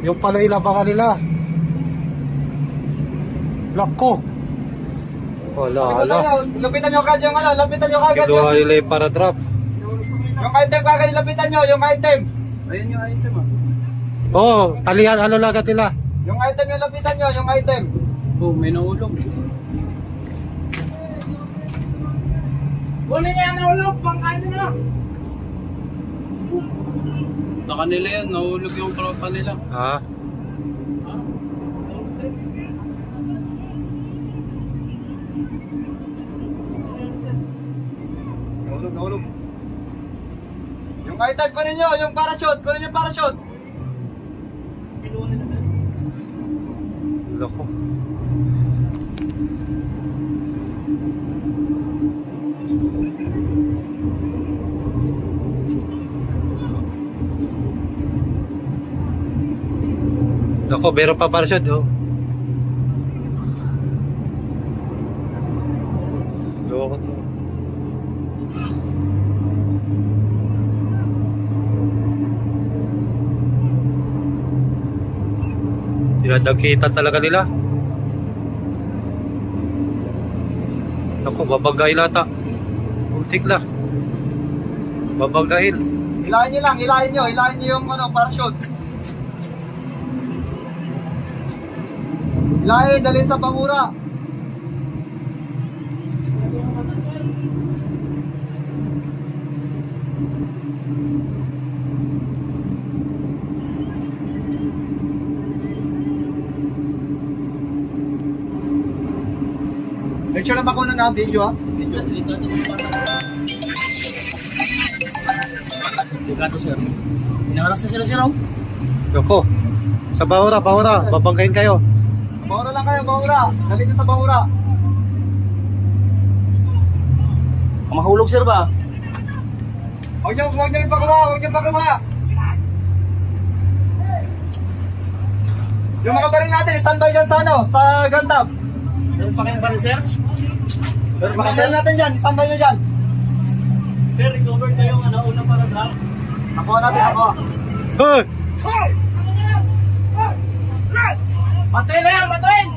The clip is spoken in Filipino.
Yung pala ilabangan nila. Lako. Wala, ala. Lapitan nyo kagad yung ano, lapitan nyo kagad Kinuha nila yung para drop. yung item kagad, lapitan nyo, yung item. Ayun yung item ah. Oo, talihan, ano lagat nila? Yung item yung lapitan nyo, yung item. Oh, may nahulog. Huli niya nahulog, pangkain nyo. Sa kanila yan, nahulog yung tropa nila. Ha? Nahulog. Yung item, kunin nyo, yung parachute, kunin yung parachute. Lako. Lako, meron pa parachute, oh. Loko to. Dinadagkitan talaga nila. Ako, babagayin ata. Ultik na. Babagayin. Hilahin nyo lang, hilahin nyo yung ano, parachute. Hilahin, dalhin sa pangura. Make sure na bakuna na video ha. Video. Delikado sir. Inaharas na sila sir oh. Loko. Sa bahura, babagayin kayo. Bangura lang kayo, bangura. Dalhin nyo sa bangura. Mahulog sir ba? Huwag nyo ipakuha. Yung mga baril natin, standby dyan sa ano, sa gun tap. Meron pa kayong baril sir? Yung mga baril natin dyan, standby nyo dyan. Sir, recover kayo yung una para drop. Ako natin, ako. Hey! Batuin na yan, batuin!